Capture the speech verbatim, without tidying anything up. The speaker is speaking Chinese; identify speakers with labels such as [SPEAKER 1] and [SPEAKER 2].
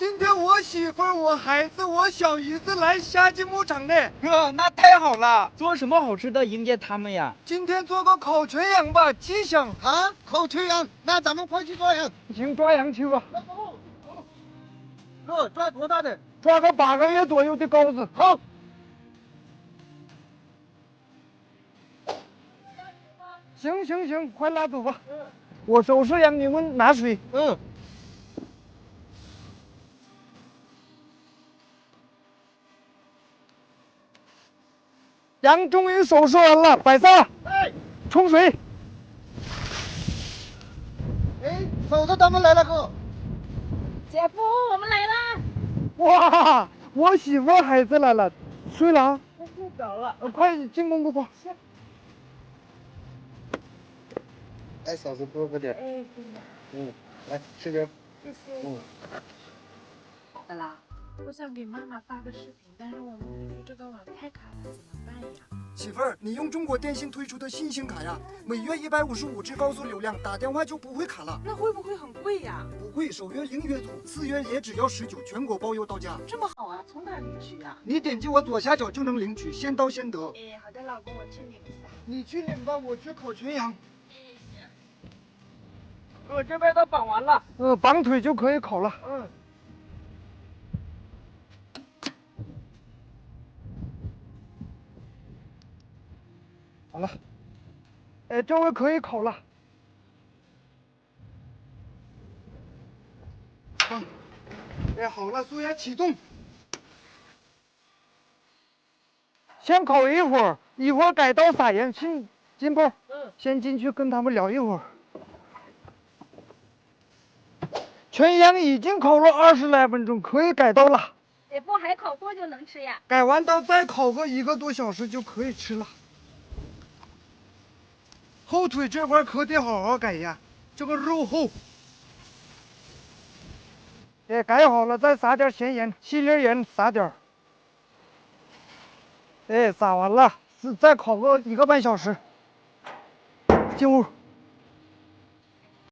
[SPEAKER 1] 今天我媳妇儿、我孩子、我小姨子来夏季牧场呢。
[SPEAKER 2] 哥，那太好了！做什么好吃的迎接他们呀？
[SPEAKER 1] 今天做个烤全羊吧，吉祥。
[SPEAKER 3] 啊，烤全羊，那咱们快去抓羊。
[SPEAKER 1] 行，抓羊去吧。
[SPEAKER 3] 哥，抓多大的？
[SPEAKER 1] 抓个八个月左右的羔子。
[SPEAKER 3] 好。
[SPEAKER 1] 行行行，快拉走吧。嗯。我收拾羊，你们拿水。
[SPEAKER 3] 嗯。
[SPEAKER 1] 羊终于收拾完了，摆上。
[SPEAKER 3] 哎。
[SPEAKER 1] 冲水。
[SPEAKER 3] 哎，嫂子他们来了，哥。
[SPEAKER 4] 姐夫，我们来啦！
[SPEAKER 1] 哇，我媳妇孩子来了，睡了啊？
[SPEAKER 4] 我睡着了。
[SPEAKER 1] 呃，快进公公吧。
[SPEAKER 3] 哎，嫂子多喝点。
[SPEAKER 4] 哎，
[SPEAKER 3] 嗯，来吃点。
[SPEAKER 4] 谢谢。
[SPEAKER 3] 嗯。
[SPEAKER 4] 好啦，我想给妈妈发个视频，但是我们邻居这个网太卡了，怎么办呀？
[SPEAKER 1] 媳妇儿，你用中国电信推出的新星卡呀，每月一百五十五 G 高速流量，打电话就不会卡了。
[SPEAKER 4] 那会不会很贵呀？
[SPEAKER 1] 不贵，首月零月租，次月也只要十九，全国包邮到家。
[SPEAKER 4] 这么好啊，从哪领取呀？
[SPEAKER 1] 你点击我左下角就能领取，先到先得。
[SPEAKER 4] 哎，好的，老公，我去领一下。
[SPEAKER 1] 你去领吧，我去烤全羊。
[SPEAKER 2] 哥，这边都绑完了。
[SPEAKER 1] 呃，绑腿就可以烤了。
[SPEAKER 2] 嗯。
[SPEAKER 1] 好了，哎，这回可以烤了。好，哎，好了，速压启动。先烤一会儿，一会儿改刀撒盐。进金波，
[SPEAKER 2] 嗯，
[SPEAKER 1] 先进去跟他们聊一会儿。全羊已经烤了二十来分钟，可以改刀了。
[SPEAKER 4] 姐夫，还烤多久能吃呀？
[SPEAKER 1] 改完刀再烤个一个多小时就可以吃了。后腿这块可得好好改呀，这个肉厚。哎，改好了再撒点咸盐，细粒盐撒点儿。哎，撒完了，是再烤个一个半小时。进屋。